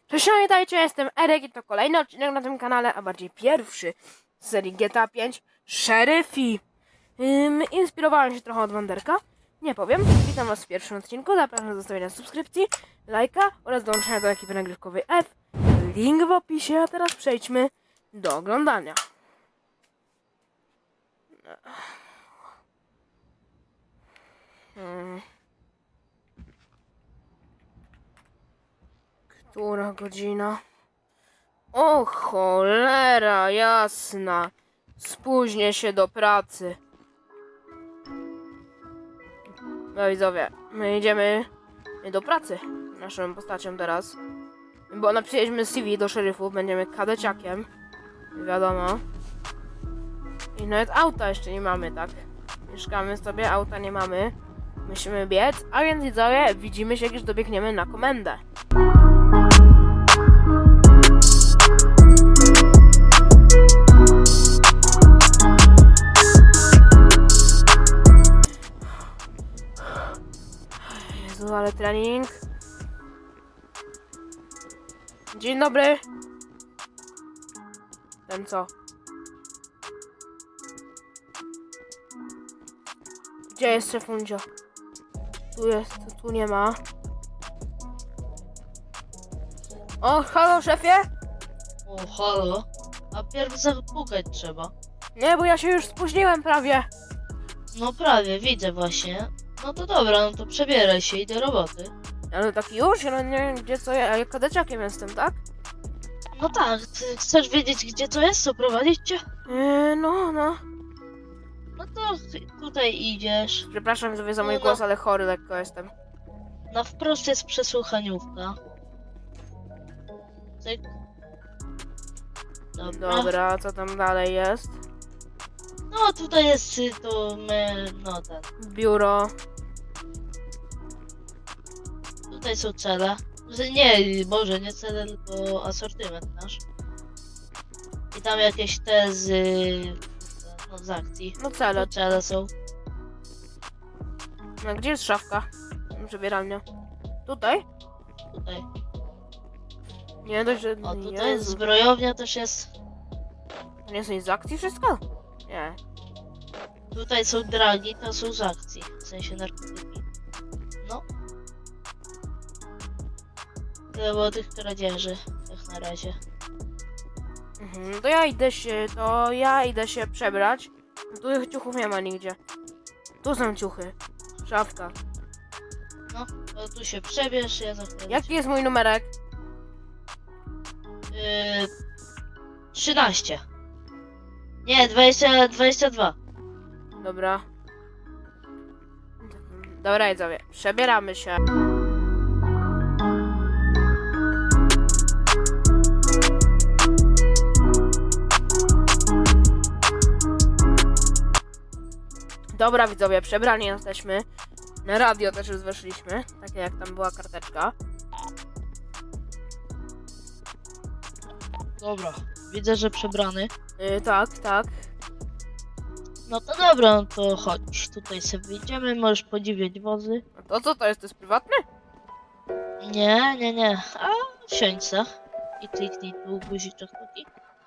Cześć, witajcie, jestem Erek i to kolejny odcinek na tym kanale, a bardziej pierwszy z serii GTA 5 Szeryfi. Inspirowałem się trochę od Wanderka, nie powiem. Witam was w pierwszym odcinku, zapraszam do zostawienia subskrypcji, lajka oraz dołączenia do ekipy nagrywkowej F. Link w opisie, a teraz przejdźmy do oglądania. Która godzina? O cholera jasna. Spóźnię się do pracy. No widzowie, my idziemy do pracy naszą postacią teraz. Bo napisaliśmy CV do szeryfów, będziemy kadeciakiem. Wiadomo. I nawet auta jeszcze nie mamy, tak? Mieszkamy sobie, auta nie mamy. Musimy biec, a więc widzowie, widzimy się, już dobiegniemy na komendę. Jezu, ale trening. Dzień dobry. Ten co? Gdzie jest szefundzio? Tu jest, tu nie ma. O, halo szefie? O, halo? A pierw zapukać trzeba. Nie, bo ja się już spóźniłem prawie. No prawie, widzę właśnie. No to dobra, no to przebieraj się i do roboty. Ale tak już? Ja nie wiem gdzie co ja kadeciakiem jestem, tak? No tak, ty chcesz wiedzieć gdzie to jest? Co prowadzić cię? No. No to tutaj idziesz. Przepraszam sobie za mój No. głos, ale chory lekko jestem. Na wprost jest przesłuchaniówka. Cyk. Dobra. Dobra, co tam dalej jest? No tutaj jest to my, no ten. Biuro. Tutaj są cele. Nie, może nie cele, tylko asortyment nasz. I tam jakieś tezy, no z akcji. No cele. To cele są. No, gdzie jest szafka? Przebieralnia. Tutaj? Tutaj. Nie dość, że... O, tutaj Jezu. zbrojownia też jest. To nie jest nic z akcji wszystko? Nie. Tutaj są dragi, to są z akcji. W sensie narkotyki. No. Tyle było tych kradzieży, jak na razie. To ja idę się przebrać. Tu ciuchów nie ma nigdzie. Tu są ciuchy. Szafka. No, to tu się przebierz, ja za chwilę. Jaki jest mój numerek? 13. Nie, 22. Dobra. Dobra, widzowie. Przebieramy się. Dobra, widzowie, przebrani jesteśmy. Na radio też już weszliśmy. Takie jak tam była karteczka. Dobra, widzę, że przebrany. Tak. No to dobra, no to chodź. Tutaj sobie wyjdziemy, możesz podziwiać wozy. A to co to jest? To jest prywatne? Nie. A wsiądź se. I kliknij tu guziczek taki.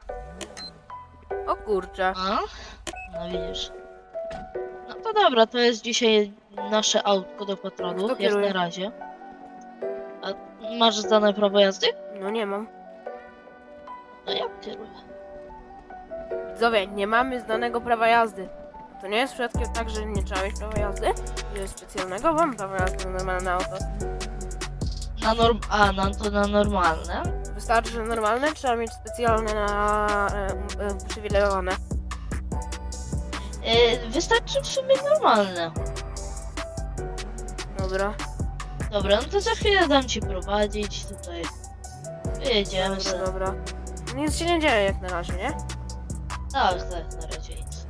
O kurczę. A? No widzisz. No to dobra, to jest dzisiaj nasze autko do patrolu, Kto jak kieruje? na razie. A masz zdane prawo jazdy? No nie mam. No ja kieruję. Widzowie, nie mamy zdanego prawa jazdy. To nie jest przypadkiem tak, że nie trzeba mieć prawa jazdy? Jest specjalnego? Mam prawo jazdy na normalne auto. Na normalne. Wystarczy, że normalne, trzeba mieć specjalne na uprzywilejowane. Wystarczy w sumie normalne. Dobra. Dobra, no to za chwilę dam ci prowadzić tutaj. Wyjedziemy sobie. Dobra. Nic się nie dzieje jak na razie, nie? Tak, na razie nic.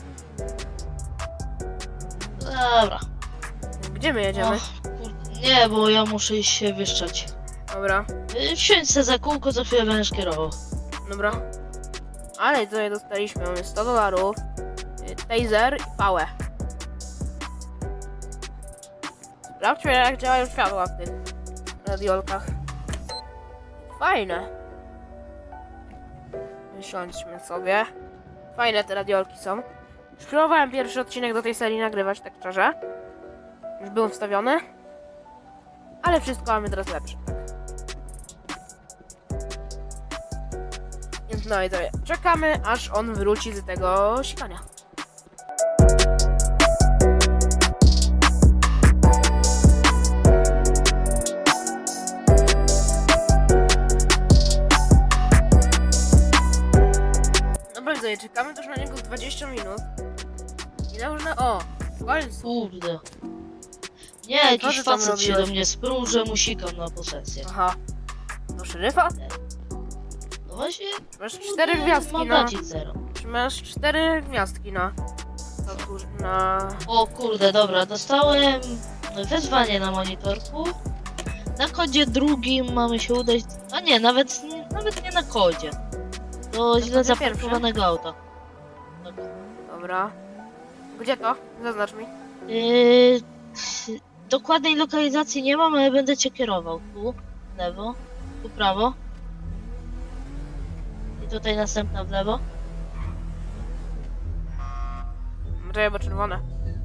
Dobra. Gdzie my jedziemy? Kurde, nie, bo ja muszę iść się wyszczać. Dobra. Wsiądź se za kółko, za chwilę będziesz kierował. Dobra. Ale co je dostaliśmy? Mamy $100, taser i pałę. Sprawdźmy jak działają światła w tych radiolkach. fajne. Siądźmy sobie. Fajne te radiolki są. Już próbowałem pierwszy odcinek do tej serii nagrywać, tak szczerze. Już był wstawiony. Ale wszystko mamy teraz lepsze. Więc no i sobie czekamy, aż on wróci z tego sikania. Dobra, widzowie, czekamy też na niego 20 minut. I na różne... O! W końcu! Kurde. Nie, jakiś ty tam facet się robiłeś? do mnie sprół, że mu sikam na posesję. Aha. Do szeryfa? No właśnie, Masz 4 gwiazdki na... mandacik 0. Masz 4 gwiazdki na... Na... O kurde, dobra, dostałem wezwanie na monitorku. Na kodzie drugim mamy się udać... A nie, nawet nie na kodzie. Do źle kodzie zaparkowanego auta. Tak. Dobra. Gdzie to? Zaznacz mi. Yy, dokładnej lokalizacji nie mam, ale będę cię kierował. Tu, w lewo, tu prawo. I tutaj następna w lewo. Czekaj, bo czerwone.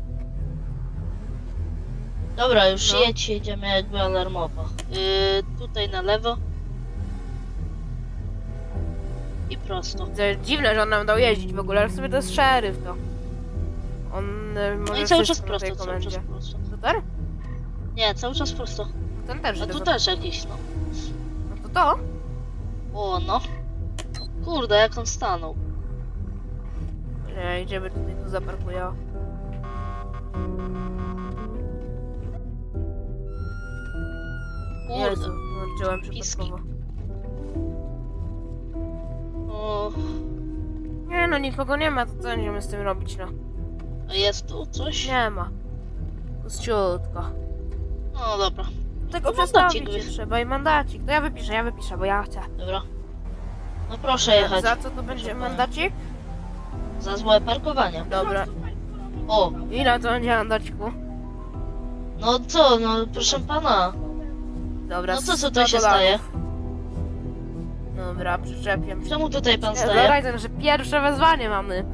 Dobra, już No. jedź, jedziemy jakby alarmowo. Tutaj na lewo. I prosto. To jest dziwne, że on nam dał jeździć w ogóle, ale w sumie to jest szeryf to. On No może i cały czas wszystko na tej prosto, cały czas komendzie. prosto. Super? Nie, cały czas prosto. Ten też. A idę tu za- też jakiś, no. No to? O, no. O kurde, jak on stanął. Nie, idziemy tutaj, tu zaparkuję. Jezu, Kurde. włączyłem Piski. przypadkowo. O, Nie no, nikogo nie ma, to co będziemy z tym robić, no? a jest tu coś? Nie ma. Puściutko. No dobra, Tego To przestawić mandacik się trzeba i mandacik. To ja wypiszę, bo ja chcę. dobra. No proszę jechać. Za co to będzie Proszę mandacik? Za złe parkowanie. Dobra. O, Ile to będzie mandaciku? no co, no proszę pana. Dobra, No co 100 tutaj się dolarów. staje? Dobra, przyczepię. Czemu tutaj pan staje? Dodaj, że pierwsze wezwanie mamy.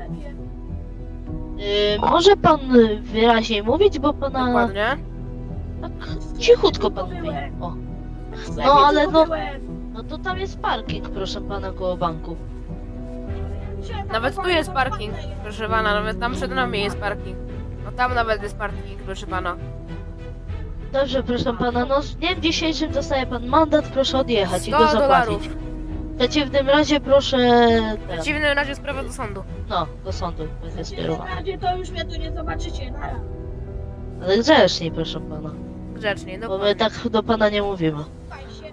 Może pan wyraźniej mówić, bo pana Dokładnie. tak cichutko pan mówi. O. No ale no to tam jest parking, proszę pana, koło banku. Nawet tu jest parking, proszę pana, nawet tam przed nami jest parking. No tam nawet jest parking, proszę pana. Dobrze, proszę pana, no z dniem dzisiejszym dostaje pan mandat, proszę odjechać i go 100 zapłacić. dolarów. W przeciwnym razie proszę... W przeciwnym razie sprawa do sądu. No, do sądu będzie W skierowana. razie to już mnie tu nie zobaczycie, nara. Ale grzeczniej, proszę pana. Grzecznie, Bo my dokładnie. tak do pana nie mówimy. Fajnie się.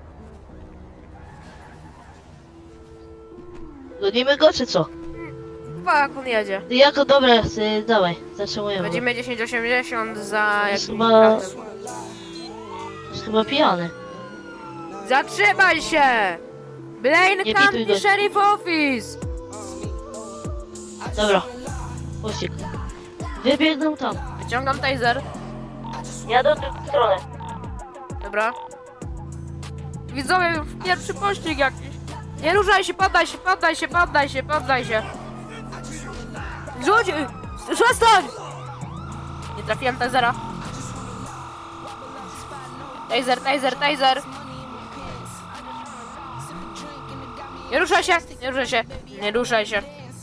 Gonimy go, czy co? Jak on jedzie. Jako dobra, dawaj, zatrzymujemy. Będziemy 10,80 za Jest jakimś chyba- kartem. Jest chyba pijany. Zatrzymaj się! Blaine Nie County pituj go. Sheriff Office! Dobra. Pościg. Wybiegną tam. Wyciągam taser. Jadę w drugą stronę. Dobra. Widzowie, pierwszy pościg jakiś. Nie ruszaj się, poddaj się, poddaj się, poddaj się, poddaj się. Rzuć! Przestań! Nie trafiłem tasera. Taser, taser, taser. Nie ruszaj się, nie ruszaj się, nie ruszaj się.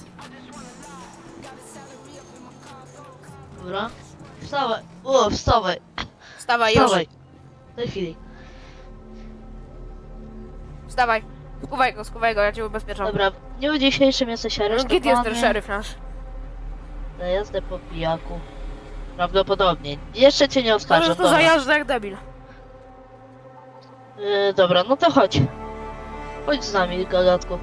Dobra. Wstawaj. O, wstawaj. Wstawaj już, Wstawaj. W tej chwili. wstawaj. Skuwaj go, ja cię ubezpieczam. Dobra, w dniu dzisiejszym jesteś No, aresztowany. gdzie jest ten szeryf nasz? Na jazdę po pijaku. Prawdopodobnie. Jeszcze cię nie To oskarżę. już tu zajeżdża jak debil. Dobra, no to chodź. Chodź z nami, gagatku.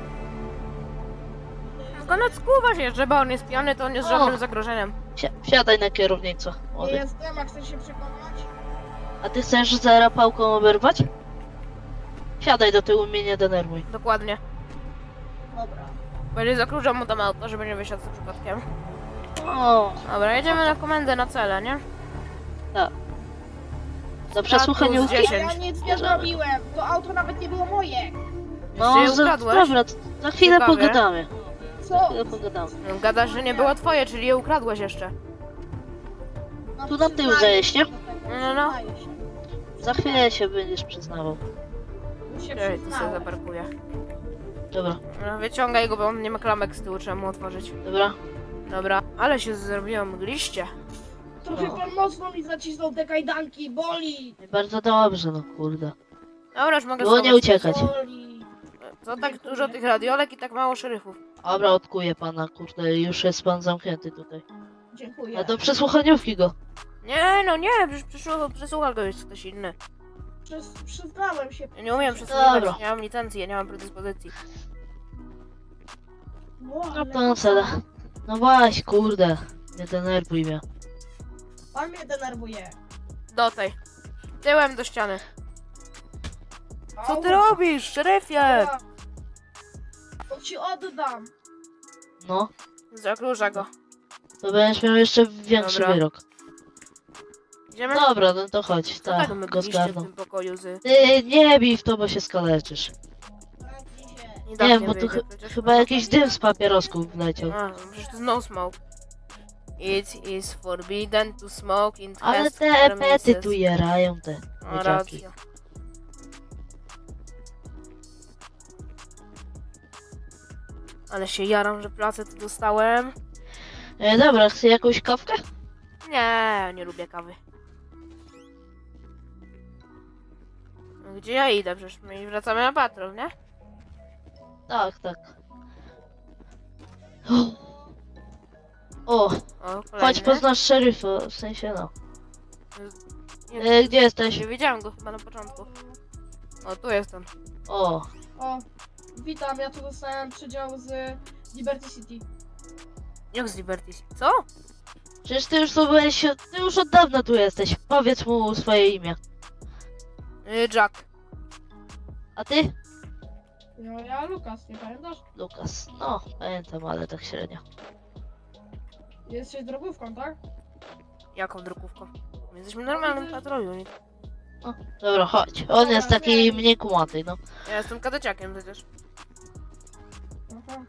No skuwa się, żeby on jest pijany, to on jest O. żadnym zagrożeniem. Wsiadaj na kierownicę. Nie Młody. jestem, a chcesz się przekonać? A ty chcesz za rapałką oberwać? Siadaj do tyłu, mnie nie denerwuj. Dokładnie. Dobra. Będzie zakróżał mu tam auto, żeby nie wysiadł przypadkiem. O, Dobra, jedziemy na komendę na cele, nie? tak. Za przesłuchaniówki? Plus Ja 10. nic nie zrobiłem. To auto nawet nie było moje. No, Jeszcze je ukradłeś? dobra, za chwilę Ciekawe. pogadamy. Za Co? chwilę pogadamy. No, gadasz, że nie było twoje, czyli je ukradłeś jeszcze. No, Tu na tył przyznaję zajeść, nie? się do tego, No. przyznaję się. Za chwilę się będziesz przyznawał. Już się Ej, tu sobie przyznałem. zaparkuję. Dobra, No, wyciągaj go, bo on nie ma klamek z tyłu, trzeba mu otworzyć. dobra. Dobra, ale się zrobiło mgliście. Trochę No. pan mocno mi zacisnął te kajdanki, boli. Bardzo dobrze, no kurde. Dobra, już mogę Było nie schować. uciekać. Boli. Co tak dużo tych radiolek i tak mało szeryfów? Dobra, odkuję pana, kurde, już jest pan zamknięty tutaj. Dziękuję. A do przesłuchaniówki go. Nie, no nie, przecież przesłucha go już ktoś inny. Przyznałem się. Ja nie umiem przesłuchiwać, Dobra. nie mam licencji, ja nie mam predyspozycji. Wow, No ale pan Cele. No właśnie, kurde. Nie denerwuj mnie. Pan mnie denerwuje. Do tej. Tyłem do ściany. Co ty Au. robisz, szeryfie? To ci oddam. No, Zaklucza go. to będziesz miał jeszcze większy Dobra. wyrok. Idziemy? Dobra, no to chodź, Co tak tak, my go byliście w zgarną. tym pokoju z... Ty nie bij w to, bo się skaleczysz. Zamknij się. Nie, Nie wiem, bo tu chyba jakiś dym z papierosków wleciał. A, przecież to jest no smoke. It is forbidden to smoke in Ale test te epety premises. tu jerają, te A, łydziaki. racja. Ale się jaram, że pracę tu dostałem. Dobra, chcę jakąś kawkę? Nie, nie lubię kawy. No, gdzie ja idę? Przecież my wracamy na patrol, nie? Tak, tak. O, O, chodź kolejny. poznasz szeryfa, w sensie no. Nie, Gdzie jesteś? nie widziałem go chyba na początku. O, tu jestem. O, O, witam, ja tu dostałem przydział z Liberty City. Jak z Liberty City? Co? przecież ty już tu byłeś, ty już od dawna tu jesteś. Powiedz mu swoje imię. Jack. A ty? No ja Lukas, nie pamiętasz? Lukas. No, pamiętam, ale tak średnio. Jesteś drogówką, tak? Jaką drukówką? My jesteśmy w normalnym patrolu. nie- Dobra, chodź. On jest taki mniej kumaty, no. Ja jestem kadeciakiem przecież. Aha.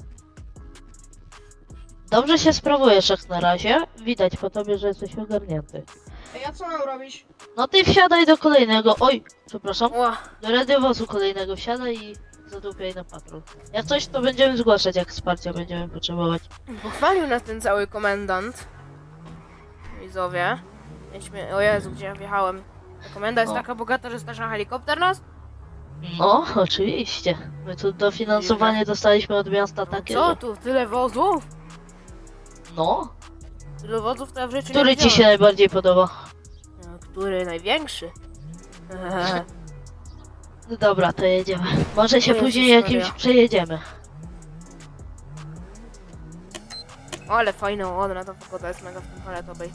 Dobrze się sprawujesz jak na razie. Widać po tobie, że jesteś ogarnięty. Ej, a co mam robić? No ty wsiadaj do kolejnego. Oj, przepraszam. Ła, Do radiowozu kolejnego wsiadaj i zadupiaj na patrol. Jak coś, to będziemy zgłaszać, jak wsparcia będziemy potrzebować. pochwalił nas ten cały komendant. Widzowie. Mieliśmy... O Jezu, gdzie ja wjechałem. Ta komenda jest O. taka bogata, że stać na helikopter nas? No, oczywiście. My tu dofinansowanie dostaliśmy od miasta takie, Co że... tu? Tyle wozów? No. Tyle wozów to ja w życiu nie Który ci się widziałem. najbardziej podoba? No, który największy? No dobra, to jedziemy. Może się O Jezus później jakimś Maria. przejedziemy. O, ale fajna ładna ta pogoda jest mega w tym paletowej.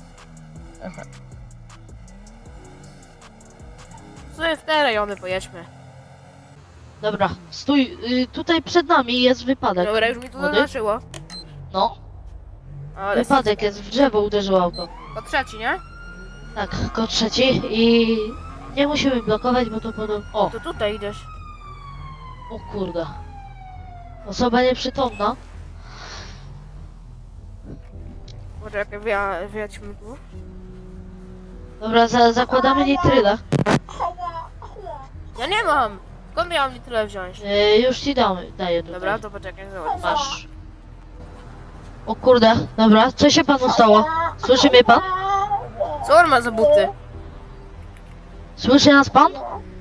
Sobie w te rejony pojedźmy. Dobra, stój. Tutaj przed nami jest wypadek. Dobra, już mi to Młody? zaznaczyło. No, Ale wypadek jest, w drzewo uderzyło auto. to trzeci, nie? Tak, kod trzeci i... Nie musimy blokować, bo to podobno... O, To tutaj idziesz. o kurde. Osoba nieprzytomna. Poczekaj, wyjadźmy tu. Dobra, zakładamy nitrylę. Ała, ała. Ja nie mam! Skąd miałam mi tyle wziąć? Już ci daję tutaj. Dobra, to poczekaj, zobacz. Masz. O kurde, dobra, co się panu stało? Słyszy mnie pan? Co on ma za buty? Słyszy nas pan?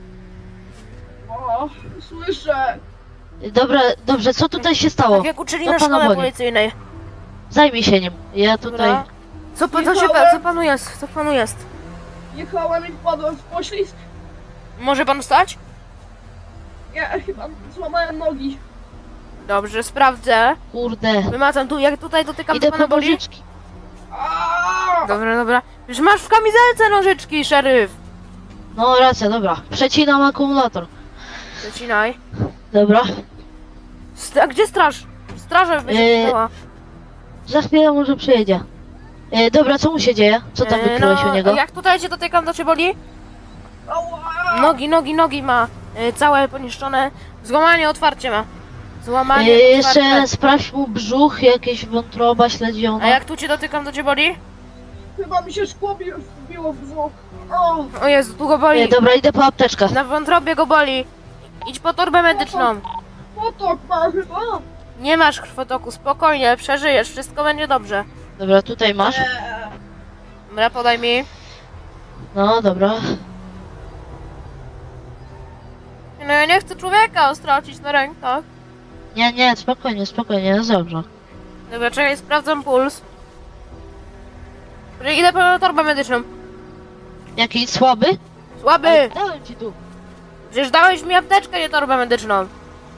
O, słyszę. Dobra, dobrze, co tutaj się stało? Tak jak uczyli To na pana szkole boli. policyjnej. Zajmij się nim. Ja tutaj... Dobra. Co panu jest? Co panu jest? Jechałem i wpadłem w poślizg. Może pan wstać? Ja chyba złamałem nogi. Dobrze, sprawdzę. Kurde. Wymacam tu, jak tutaj dotykam, Idę to pana po boli? nożyczki. Aaaa! Dobra. Już masz w kamizelce nożyczki, szeryf. No racja, dobra. Przecinam akumulator. Zacinaj. Dobra. A gdzie straż? Straża będzie stała. Za chwilę może przyjedzie. Dobra, co mu się dzieje? Co tam wykryłeś u niego? Jak tutaj cię dotykam, to cię boli? Nogi ma całe poniszczone. Złamanie, otwarcie ma. Złamanie, Jeszcze otwarcie. sprawdź mu brzuch, jakieś wątroba śledziona. A jak tu cię dotykam, to cię boli? Chyba mi się szkło wbiło w brzuch. O, O Jezu, tu go boli. Dobra, idę po apteczkę. Na wątrobie go boli. Idź po torbę medyczną. potok ma chyba. Nie masz krwotoku, spokojnie, przeżyjesz, wszystko będzie dobrze. Dobra, tutaj masz. Dobra, podaj mi. No, dobra. No ja nie chcę człowieka stracić na rękach. Nie, spokojnie, jest dobrze. Dobra, czekaj, sprawdzam puls. Idę po torbę medyczną. Jaki słaby? Słaby! Ale dałem ci tu. Przecież dałeś mi apteczkę, nie torbę medyczną.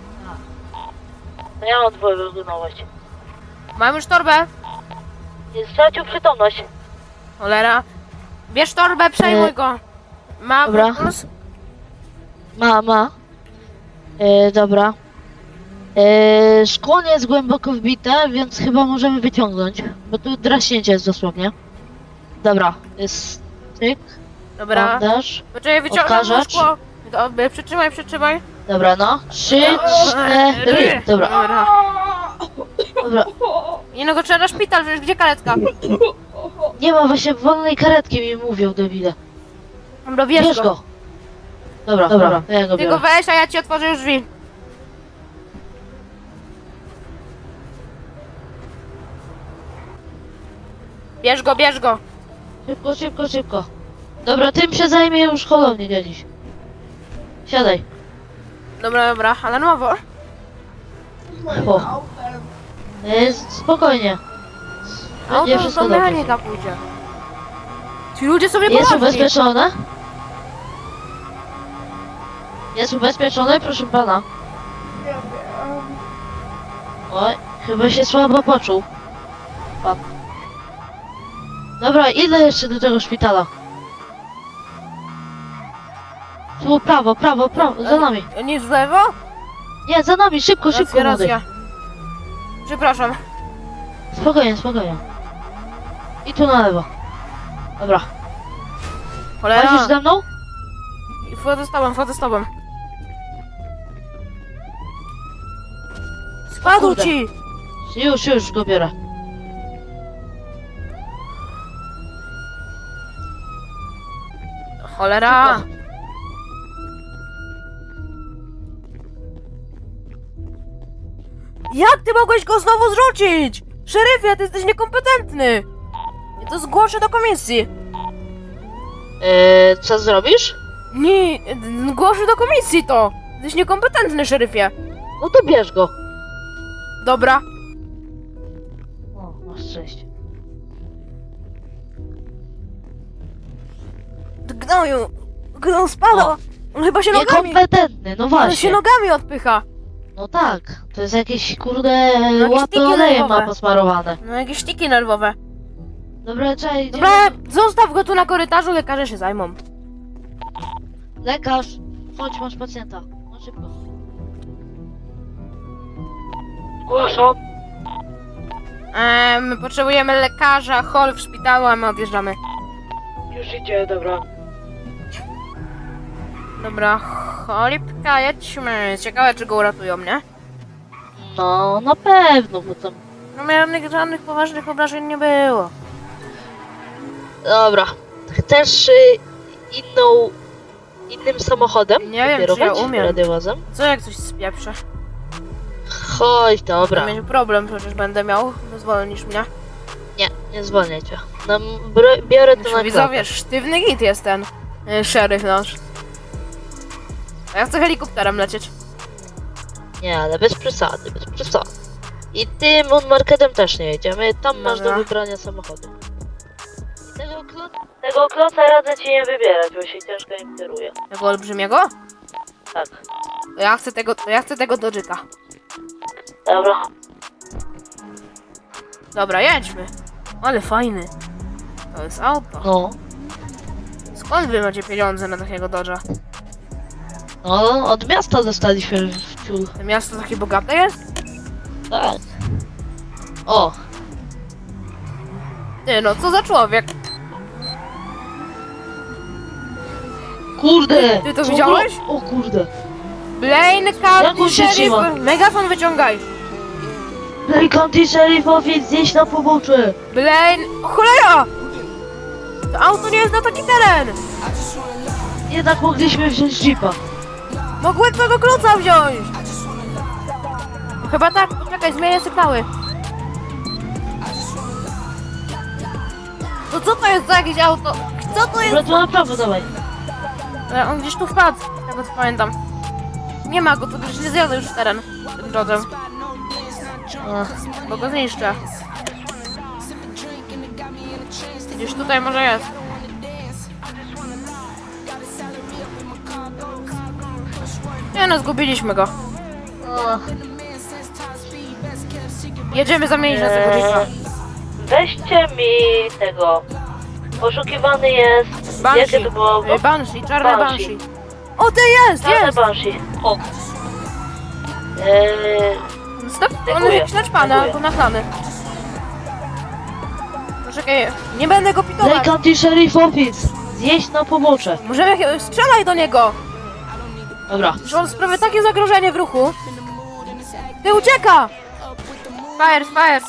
No ja mam twoją wyglądać. Mam już torbę. Stracił przytomność. Cholera. Bierz torbę, przejmuj go. Ma Dobra. puls? Ma. Dobra. Szkło nie jest głęboko wbite, więc chyba możemy wyciągnąć. Bo tu draśnięcie jest dosłownie. Dobra, jest tyk, Dobra. bandaż. Poczekaj, wyciągam Odkażacz. szkło. Dobra, przytrzymaj. Dobra, no. 3, 4, dobra. Dobra. Nie no, go trzeba na szpital, przecież gdzie karetka? Nie ma właśnie wolnej karetki, mi mówią debile. Dobra, Bierz bierz go. go. Dobra, to ja go Ty go biorę. weź, a ja ci otworzę już drzwi. Bierz go. Szybko. Dobra, tym się zajmie już holownie dziś. Siadaj. Dobra, alarmowo. O. Spokojnie. Będzie Auto wszystko do dobrze. mechanika pójdzie. Ci ludzie są Jest niepoważni. ubezpieczone? Jest ubezpieczone, proszę pana. Nie wiem. Oj, chyba się słabo poczuł. Pan. Dobra, idę jeszcze do tego szpitala. Tu prawo, za nami. Nie w lewo? Nie, za nami, szybko, młody. Racja. Przepraszam. Spokojnie. I tu na lewo. Dobra. Chodzisz Cholera. ze mną? Wchodzę z tobą. Spadł kurde. ci! Już go biorę. Cholera! Szybko. Jak ty mogłeś go znowu zrzucić? Szeryfie, ty jesteś niekompetentny! Ja to zgłoszę do komisji. Co zrobisz? Nie, zgłoszę do komisji to. Jesteś niekompetentny, szeryfie. No to bierz go. Dobra. O, masz szczęście. Gnoju! Gnoju spada! O. On chyba się nogami... Niekompetentny, no On właśnie. się nogami odpycha. No tak, to jest jakieś kurde jakieś łapy tiki olejem nerwowe. ma posmarowane. No jakieś sztiki nerwowe. Dobra, czekaj, Dobra, zostaw go tu na korytarzu, lekarze się zajmą. Lekarz, chodź, masz pacjenta. No szybko. Zgłaszam. Potrzebujemy lekarza, hol w szpitalu, a my odjeżdżamy. Już idzie, dobra. Dobra, cholipka, jedźmy. Ciekawe, czy go uratują, nie? No, na pewno, bo tam... No żadnych poważnych obrażeń nie było. Dobra. Chcesz innym samochodem? Nie wiem, czy ja kierować? umiem. Radiowozem? Co jak coś spieprzę? Chodź, dobra. To mieć problem, przecież będę miał. Zwolnisz mnie. Nie zwolnię cię. No, biorę to na Widzowie, klatę. sztywny git jest ten szeryf nasz. A ja chcę helikopterem lecieć. Nie, ale bez przesady. I tym marketem też nie jedziemy. Tam masz do Dobra. wybrania samochodu. I tego kloca radzę ci nie wybierać, bo się ciężko im kieruje. Tego olbrzymiego? Tak. To ja chcę tego Dodge'a. Dobra. Dobra, jedźmy. Ale fajny. To jest auto. No. Skąd wy macie pieniądze na takiego Dodge'a? No, od miasta dostaliśmy w ciul. To miasto takie bogate jest? Tak. O, Ty no, co za człowiek? Kurde! Ty to co widziałeś? O kurde! Blaine Jak County on się trzyma? Sheriff! Megafon wyciągaj! Blaine County Sheriff Office, zjeść na pobocze! Blaine... O cholera! To auto nie jest na taki teren! Jednak mogliśmy wziąć jeepa. Mogłem tego klucza wziąć! Chyba tak, poczekaj, zmienię sygnały. To co to jest za jakieś auto? Co to jest? Dobra, tu na prawo, dawaj. On gdzieś tu wpadł, z tego co pamiętam. Nie ma go, to gdzieś nie zjadę już w teren tym drodze, bo go zniszczę. Gdzieś tutaj może jest. Nie no, zgubiliśmy go. Jedziemy zamienić na tego jeepa. Weźcie mi tego. Poszukiwany jest. Banshee. Jakie to było? Banshee, czarne Banshee. Banshee. O, ty jest, Czarne jest! Banshee. O. Stop, on jest Dziękuję. jakiś naćpany Dziękuję. albo nachlany. Poczekaj, nie będę go Blaine pitować. County Sheriff Office. Zjeść na pobocze. Możemy, strzelaj do niego! Dobra. Że on sprawia takie zagrożenie w ruchu. Ty ucieka! Fire, fire!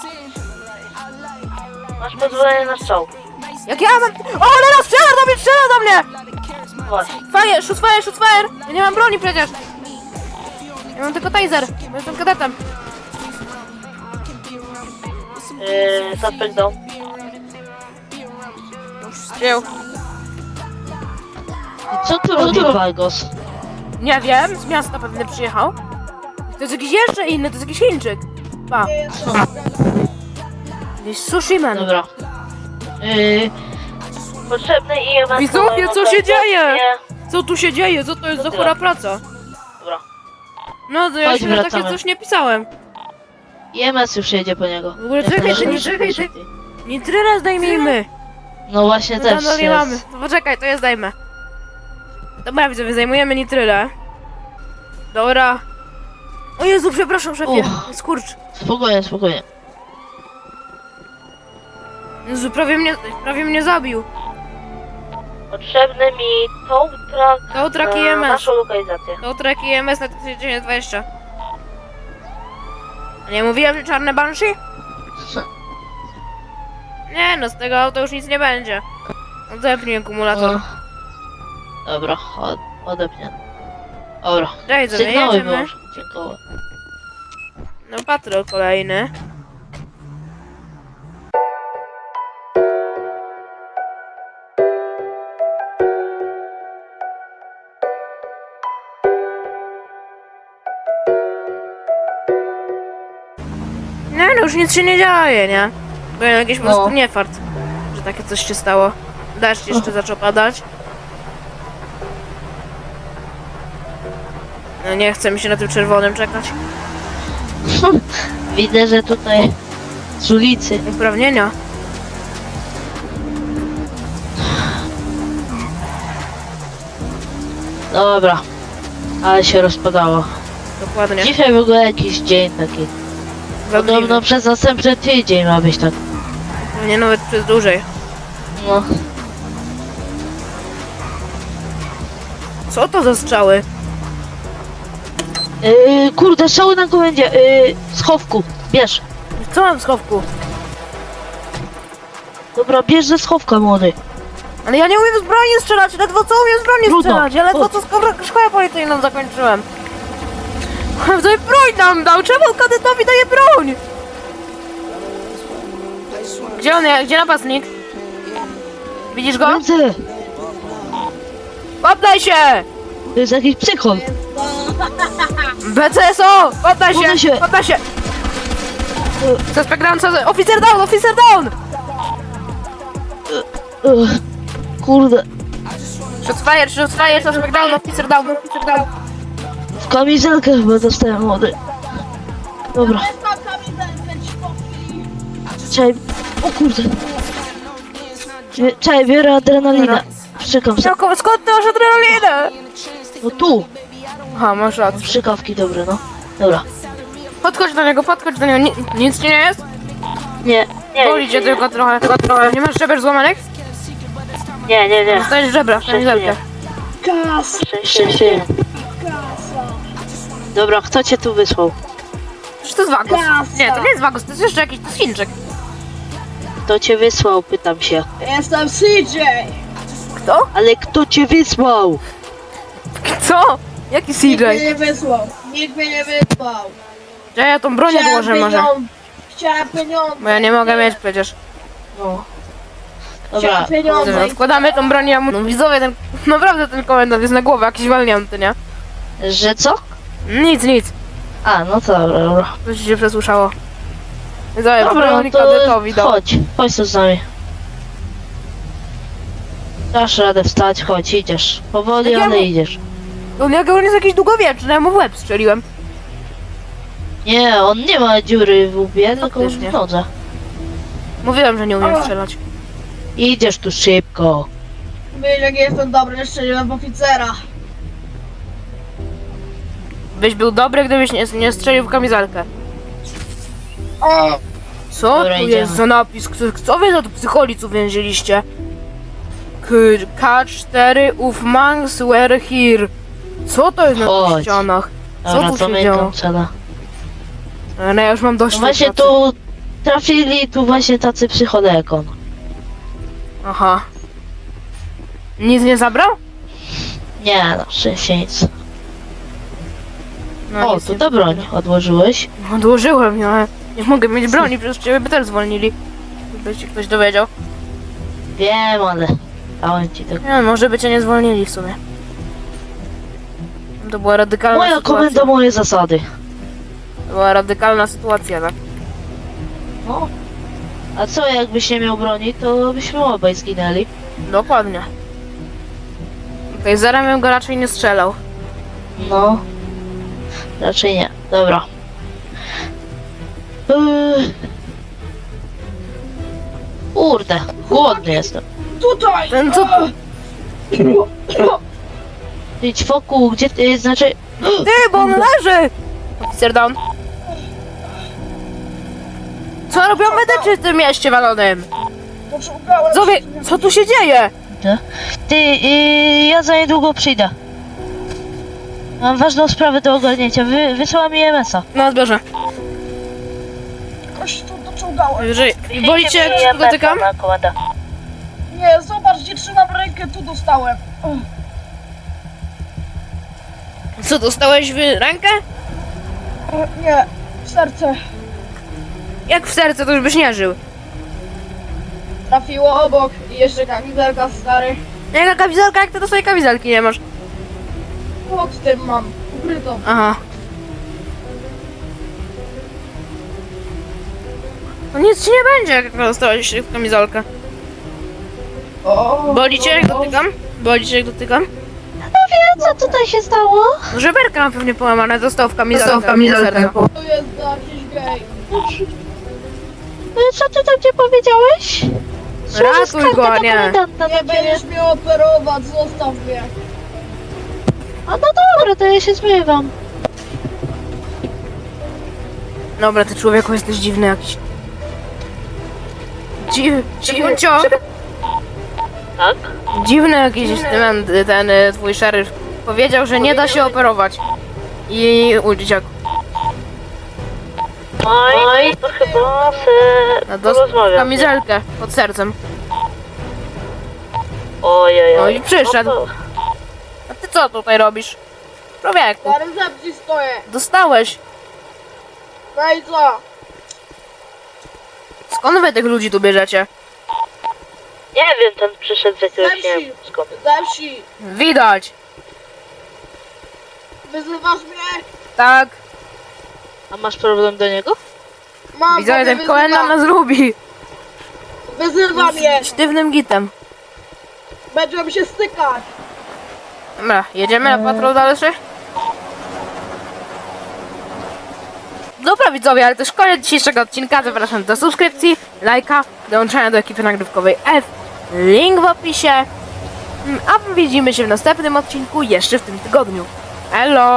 Masz pozwolenie na strzał. Jak ja mam... O, Lena, strzela do mnie! Właśnie. Fire, shoot fire, shoot fire! Ja nie mam broni przecież! Ja mam tylko taser, bo jestem kadetem. Suspect down. Dzieł. I co tu robi Vargos? Nie wiem, z miasta pewnie przyjechał. To jest jakiś jeszcze inny, to jest jakiś Chińczyk. Pa, jakiś sushi man. Dobra. Potrzebny EMS. Widzowie, co się dzieje? Nie. Co tu się dzieje? Co to jest za chora praca? Dobra. No to ja Chodź, się na takie wracamy. coś nie pisałem. EMS już jedzie po niego. W ogóle Jak czekaj, najszybciej, ty, czekaj, ty. szybciej. Nitrylę zdejmijmy. No właśnie No też tam nie jest. mamy. No poczekaj, to ja zdejmę. Dobra, widzowie, zajmujemy nitrylę. Dobra. O Jezu, przepraszam, szefie. Skurcz. Spokojnie, spokojnie. Jezu, prawie mnie zabił. Potrzebny mi tow truck To track na IMS. naszą lokalizację. To track IMS na 1920. A nie mówiłem, że czarne Banshee? Nie no, z tego auta już nic nie będzie. Odepnij akumulator. O. Dobra, odepnie. Dobra. Daj, Sygnały jedziemy. wyłącz. Dziękuję. No patrol kolejny. Nie no, już nic się nie dzieje, nie? Bo jakiś po prostu niefart, że takie coś się stało. Deszcz jeszcze zaczął padać. No nie chce mi się na tym czerwonym czekać. Widzę, że tutaj z ulicy. Uprawnienia. Dobra. Ale się rozpadało. Dokładnie. Dzisiaj w ogóle jakiś dzień taki. Podobno przez następny tydzień ma być tak. Nie nawet przez dłużej. No. Co to za strzały? Kurde, strzały na komendzie. Schowku. Bierz. Co mam w schowku? Dobra, bierz ze schowka, młody. Ale ja nie umiem z broni strzelać, ledwo co umiem z broni Trudno. strzelać, ja ledwo Chodź. co szkołę policyjną zakończyłem. Tutaj broń nam dał, czemu kadetowi daje broń? Gdzie on jest? Gdzie napastnik? Widzisz go? Ręce! Poddaj się! To jest jakiś psychol. BCSO! Poddaj Poddaj się! się. Poddaj się! Suspect down, oficer down, oficer down! Kurde. Shots fire, suspect down, oficer down, oficer down. W kamizelkę chyba dostałem, młody. Dobra. Tam kamizelkę, ćwoki. Czekaj. O kurde. Czekaj, biorę adrenalinę. Szczekam sobie. Jakob, skąd ty masz adrenalinę? No tu. Aha, masz rację. Strzykawki dobre, no. Dobra. Podchodź do niego, nic ci nie jest? Nie. Boli cię tylko trochę. Nie masz żeber złamanych? Nie. Dostajesz żebra w Szczęście kamizelkę. Kasa! Szczęście. Kasa! Dobra, kto cię tu wysłał? Czy to jest Vagos? Kasa. Nie, to nie jest Vagos, to jest jeszcze jakiś, to jest Chińczyk. Kto cię wysłał, pytam się. Jestem CJ! Kto? Ale kto cię wysłał? Co? Jaki Nikt mnie CJ? nie wysłał. Nikt mnie nie wysłał. Że ja tą broń odłożę może. Chciałem pieniądze. Bo ja nie mogę mieć przecież. No. Dobra, Chciałem pieniądze. Dobra, wkładamy tą broń, ja mu... No widzowie, ten... Naprawdę ten komendant jest na głowę jakiś walnięty, nie? że co? Nic. A, no to dobra. Coś ci się przesłyszało. Widzowie, Dobra, broń no to kadetowi dał. chodź tu z nami. Dasz radę wstać, chodź, idziesz. Powoli, Jak ja ale mu- idziesz. On jak on jest jakiś długowieczny, ja mu w łeb strzeliłem. Nie, on nie ma dziury w łbie, tylko Faktycznie. w nodze. Mówiłem, że nie umiem O. strzelać. Idziesz tu szybko. Wiesz, jak jestem dobry, strzeliłem w oficera. Byś był dobry, gdybyś nie strzelił w kamizelkę. O! Co Dobra, tu idziemy. jest za napis? Co wy za tu psycholic uwięziliście? K4 uf monks were here. Co to jest na tych Chodź. ścianach? Co Dobra, tu się zamykam działo? cela. No ja już mam dość No tej właśnie pracy. tu trafili tu właśnie tacy psychole jak on. Aha. Nic nie zabrał? Nie, no szczęście nic. No O, nic to nie ta broń odłożyłeś. Odłożyłem, no ale nie mogę mieć broni, przecież ciebie by też zwolnili. Gdyby się ktoś dowiedział. Wiem, ale dałem ci tego. Nie, może by cię nie zwolnili w sumie. To była radykalna Moja sytuacja. komenda, moje zasady. To była radykalna sytuacja, tak? No. A co jakbyś nie miał broni, to byśmy obaj zginęli. Dokładnie. Okej, zarem bym go raczej nie strzelał. No. Raczej nie. Dobra. Kurde, głodny jestem. Tutaj! Ten co tu? Idź wokół, gdzie ty, znaczy... Ty, bo on leży! Oficer down. Co robią medycy w tym mieście walonym? Poczułgałem Zowie, co tu się dzieje? Ty, ja za niedługo przyjdę. Mam ważną sprawę do ogarnięcia. Wysłała mi MS-a. Na zbiorze. Koś tu doczołgałem. Jeżeli boli cię, jak się tu dotykam? Nie, zobacz, gdzie trzymam rękę, tu dostałem. Co, dostałeś w rękę? Nie, w serce. Jak w serce, to już byś nie żył. Trafiło obok i jeszcze kamizelka stary. Jaka kamizelka, jak ty do swojej kamizelki nie masz? Pod tym mam, ukrytą. Aha. No nic ci nie będzie, jak dostałeś w kamizelkę. O, Boli cię, jak dotykam? Boli cię, jak dotykam? Co tutaj się stało? No, żeberka ma pewnie połamane, dostał w kamizelkę. To jest jakiś gej. Co ty tam gdzie powiedziałeś? Ratuj go, a nie. Nie będziesz mnie operować, zostaw mnie. A no dobra, to ja się zmywam. Dobra, ty człowieku jesteś dziwny jakiś. Dziwcio! Tak? Dziwny jakiś ten twój szeryf. Powiedział, że nie da się operować. I uciekł. Oj, to chyba No, dostał kamizelkę pod sercem. Ojej. No i przyszedł. A ty co tutaj robisz? Człowieku, Na recepcji stoję. dostałeś. No i co? Skąd wy tych ludzi tu bierzecie? Nie wiem, ten przyszedł z jakiegoś, nie wiem skąd. Ze wsi. Widać. Wyzywasz mnie? Tak. A masz problem do niego? Mam, Widzę, bo ten mnie komendant nas lubi. Wyzywa mnie. Sztywnym gitem. Będziemy się stykać. Dobra, jedziemy na patrol dalszy? Dobra widzowie, ale to już koniec dzisiejszego odcinka. Zapraszam do subskrypcji, lajka, dołączenia do ekipy nagrywkowej F. Link w opisie. A widzimy się w następnym odcinku jeszcze w tym tygodniu. Elo!